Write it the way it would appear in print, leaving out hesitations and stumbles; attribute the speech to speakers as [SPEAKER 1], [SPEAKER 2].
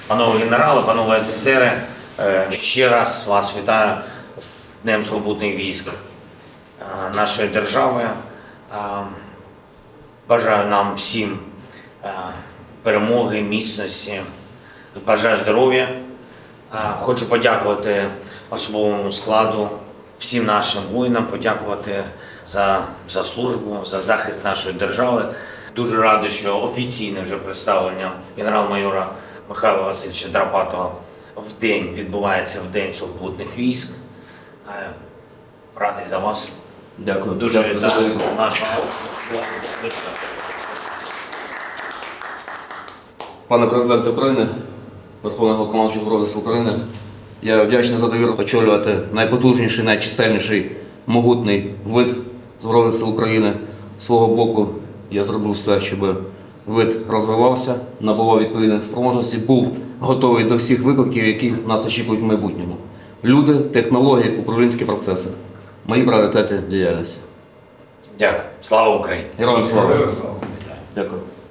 [SPEAKER 1] Панове генерали, панове офіцери, ще раз вас вітаю з Днем Сухопутних військ нашої держави. Бажаю нам всім перемоги, міцності, бажаю здоров'я. Хочу подякувати особовому складу, всім нашим воїнам, подякувати за службу, за захист нашої держави. Дуже радий, що офіційне вже представлення генерал-майора Михайла Васильовича Драпатова в день відбувається в День Сухопутних військ. Радий за вас.
[SPEAKER 2] Дякую.
[SPEAKER 1] Дуже
[SPEAKER 2] Дякую
[SPEAKER 1] вітаю
[SPEAKER 2] за
[SPEAKER 1] нашого.
[SPEAKER 2] Пане президент України, Верховний Головнокомандуючий Збройних Сил України, я вдячний за довіру очолювати найпотужніший, найчисельніший, могутний вид Збройних Сил України. З свого боку я зробив все, щоб вид розвивався, набував відповідних спроможностей, був готовий до всіх викликів, які нас очікують в майбутньому. Люди, технології, управлінські процеси. Мої пріоритети діяльності.
[SPEAKER 1] Дякую. Слава Україні!
[SPEAKER 2] Героям слава! Дякую.